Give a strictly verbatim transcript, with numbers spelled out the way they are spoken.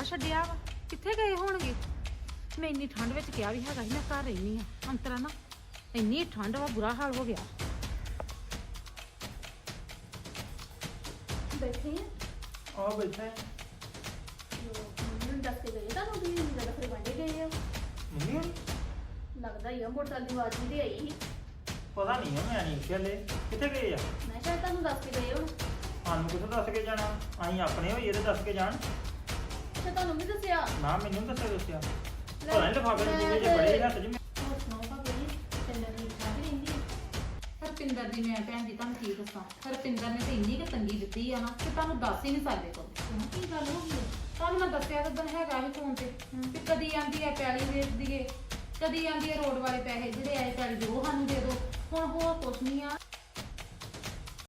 ਛੱਡਿਆ ਵਾ ਕਿੱਥੇ ਗਏ ਹੋਣਗੇ। ਮੈਂ ਇੰਨੀ ਠੰਡ ਵਿੱਚ ਕਿਹਾ ਵੀ ਹੈਗਾ ਸੀ ਮੈਂ ਘਰ ਰਹਿਨੀ ਆ ਅੰਤਰਾ ਨਾ ਇੰਨੀ ਠੰਡ ਵਾ ਬੁਰਾ ਹਾਲ ਹੋ ਗਿਆ। ਬੈਠੇ ਆ ਬੈਠਾ ਹੈ। ਮੈਨੂੰ ਦੱਸ ਕੇ ਗਏ ਤੁਹਾਨੂੰ ਵੀ ਜਦੋਂ ਫਿਰ ਵੰਡੇ ਗਏ ਆ ਮੰਮੀ ਹੋਣੀ? ਲੱਗਦਾ ਹੀ ਆ ਮੋਟਰਸਾਈਕਲ ਦੀ ਆਵਾਜ਼ ਵੀ ਆਈ ਸੀ। ਪਤਾ ਨਹੀਂ ਆ, ਮੈਂ ਨਹੀਂ ਖਿਆਲੇ ਕਿੱਥੇ ਗਏ ਆ। ਮੈਂ ਸ਼ਾਇਦ ਤੁਹਾਨੂੰ ਦੱਸ ਕੇ ਗਏ ਹੁਣ। ਸਾਨੂੰ ਕਿੱਥੋਂ ਦੱਸ ਕੇ ਜਾਣਾ, ਅਸੀਂ ਆਪਣੇ ਹੋਈਏ ਤੇ ਦੱਸ ਕੇ ਜਾਣ। ਅੱਛਾ ਤੁਹਾਨੂੰ ਵੀ ਦੱਸਿਆ। ਨਾ ਮੈਨੂੰ ਦੱਸਿਆ ਦੱਸਿਆ ਲੈ, ਪਤਾ ਨਹੀਂ ਲਿਫਾਫੇ ਦੇ ਮੈਂ ਜਿਵੇਂ ਜੇ ਤੇ- ਬੜੇ ਹੱਥ 'ਚ ਮੈਂ- ਹੋਰ ਸੁਣਾਓ ਭਾਬੀ ਜੀ ਚੱਲਣ ਦੀ ਇੱਛਾ ਵੀ ਰਹਿੰਦੀ ਹੈ। ਹਰਪਿੰਦਰ ਦੀ ਮੈਂ ਭੈਣ ਜੀ ਤੁਹਾਨੂੰ ਕੀ ਦੱਸਾਂ। ਹਰਪਿੰਦਰ ਨੇ ਤੇ ਇੰਨੀ ਕਿ ਤੰਗੀ ਦਿੱਤੀ ਆ ਨਾ ਕਿ ਤੁਹਾਨੂੰ ਦੱਸ ਹੀ ਨਹੀਂ ਸਕਦੇ ਕੋਲ। ਕਿਉਂ ਕੀ ਗੱਲ ਹੋ ਗਈ ਹੈ? ਤੁਹਾਨੂੰ ਮੈਂ ਦੱਸਿਆ ਤਾਂ ਹੈਗਾ ਸੀ ਫੋਨ ਤੇ ਕਿ ਕਦੀ ਆਂਦੀ ਹੈ ਪੈਲੀ ਵੇਚ ਦੀਏ, ਕਦੀ ਆਂਦੀ ਹੈ ਰੋਡ ਵਾਲੇ ਪੈਸੇ ਜਿਹੜੇ ਆਏ ਪੈਲੀ ਦੇ ਉਹ ਸਾਨੂੰ ਦੇ ਦਿਓ। ਹੁਣ ਹੋਰ ਕੁਛ ਨਹੀਂ ਆ।